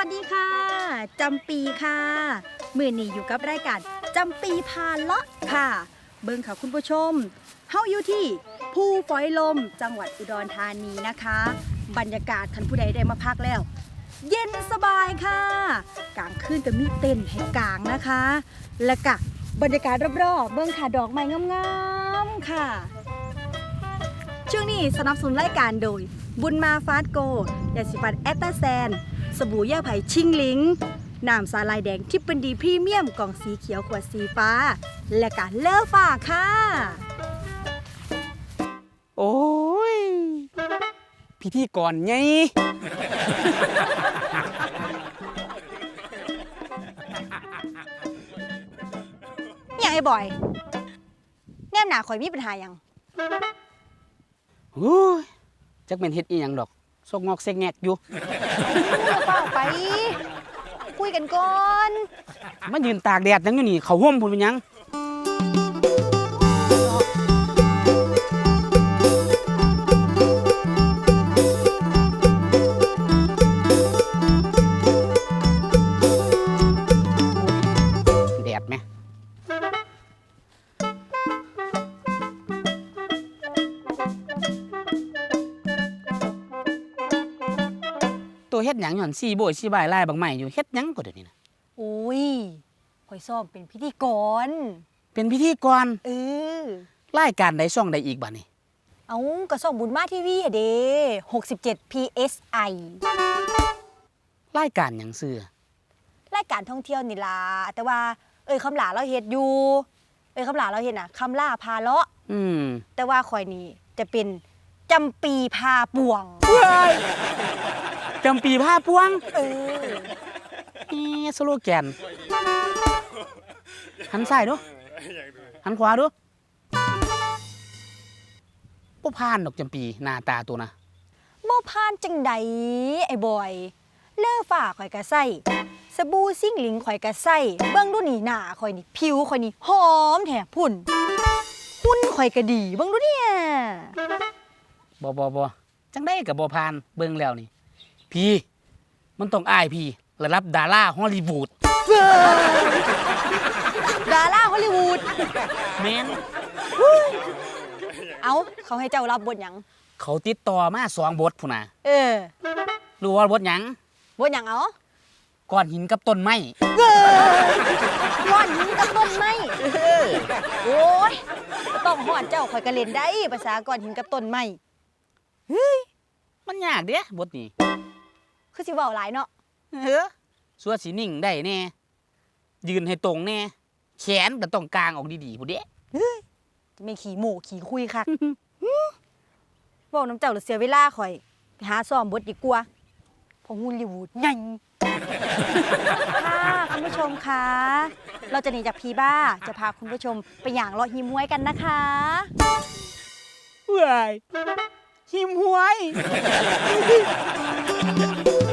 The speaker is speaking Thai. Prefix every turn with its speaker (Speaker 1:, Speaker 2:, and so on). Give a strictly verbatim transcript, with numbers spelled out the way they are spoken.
Speaker 1: วัสดีค่ะจำปีค่ะมือนี้อยู่กับรายการจำปีพาเลาะค่ะเบิ่งค่ะคุณผู้ชมเฮาอยู่ที่ภูฝอยลมจังหวัดอุดรธานีนะคะบรรยากาศท่านผู้ใดได้มาพักแล้วเย็นสบายค่ะกลางคืนก็มีเต็นท์ให้กางนะคะและก็บรรยากาศรอบๆเบิ่งค่ะดอกไม้งามๆค่ะช่วงนี้สนับสนุนรายการโดยบุญมาฟาสโกยาสีฟันแอตตาแซนสบู่ย่าไผ่ชิงหลิงน้ำสาลายแดงที่เป็นดีพรีเมียมกล่องสีเขียวขวดสีฟ้าและก็เลอฟ้าค่ะ
Speaker 2: โอ้ยพิธีกรไง
Speaker 1: อย่างไอ้บอยแนมหนาข่อยมีปัญหายัง
Speaker 2: โอ้ยจักเป็นเฮ็ดอีหยังดอกซกงอกเซกแงกอยู่
Speaker 1: เฝ้าไปคุยกันก่อน
Speaker 2: มายืนตากแดดยังอยู่นี่เขาห่มพุ่นเป็นหยังแดดไหมตัวเฮ็ดหยังหย่อนซี่โบยซี่บายลายบางใหม่อยู่เฮ็ดหยังก็เดี๋ยวนี้นะ
Speaker 1: โอ้ยข่อยซ้อมเป็นพิธีกร
Speaker 2: เป็นพิธีกร
Speaker 1: เออ
Speaker 2: รายการใดช่องใดอีกบัดนี้
Speaker 1: เอาก็ส่องบุญมาทีวีอะเด้หกสิบเจ็ด พี เอส ไอ
Speaker 2: รายการหยังซื่อ
Speaker 1: รายการท่องเที่ยวนี่ล่ะแต่ว่าเอ้ยคำหลาเราเฮ็ดอยู่เอ้ยคำหลาเราเฮ็ดน่ะคำล่าพาเลาะ
Speaker 2: อืม
Speaker 1: แต่ว่าข่อยนี่จะเป็นจำปีพาป่วง
Speaker 2: จำปีผ้าพวง
Speaker 1: เออ
Speaker 2: นี่สโลแกนหันซ้ายดูหันขวาดูบ่ผ่านดอกจำปีหน้าตาตัวนะ
Speaker 1: บ่ผ่านจังใดไอ้บอยเลอฟ้าข่อยก็ใส่สบู่ซิ่งหลิงข่อยก็ใส่เบิ่งดูนี่หน้าข่อยนี่ผิวข่อยนี่หอมแท้พุ่นหุ่นข่อยก็ดีเบิ่งดูเนี่ย
Speaker 2: บ่บ่บ่จังได้ก็บ่ผ่านเบิ่งแล้วนี่พี่มันต้องอายพี่ระดับดาราฮอลลีวูด
Speaker 1: ดาราฮอลลีวูด
Speaker 2: แม่น
Speaker 1: เอ้าเขาให้เจ้ารับบทหยัง
Speaker 2: เขาติดต่อมาสองบทพุ่นน่ะ
Speaker 1: เออ
Speaker 2: รู้ว่าบทหยัง
Speaker 1: บทหยังเอา
Speaker 2: ก้อนหินกับต้นไม้
Speaker 1: ก้อนหินกับต้นไม้โอ้ยต้องฮอดเจ้าข่อยก็เล่นได้ภาษาก้อนหินกับต้นไม้เฮ้ย
Speaker 2: มันยากเด้บทนี้
Speaker 1: คือสิเว้าหลายเนาะ
Speaker 2: เออสัวสินิ่งได้แน่ยืนให้ตรงแน่แขนก็ต้องกางออกดีๆพุ่นเด้
Speaker 1: เฮ้ยจะไม่ขี้โม้ขี้คุยคักเว้าน้ำเจ้าหรือเสียเวลาข่อยไปหาซ้อมบทดีกว่าเพราะฮอลลีวูดใหญ่ค่ะคุณผู้ชมคะเราจะหนีจากพีบ้าจะพาคุณผู้ชมไปหย่างเลาะหิมห้วยกันนะคะ
Speaker 2: เว้ยหิมห้วย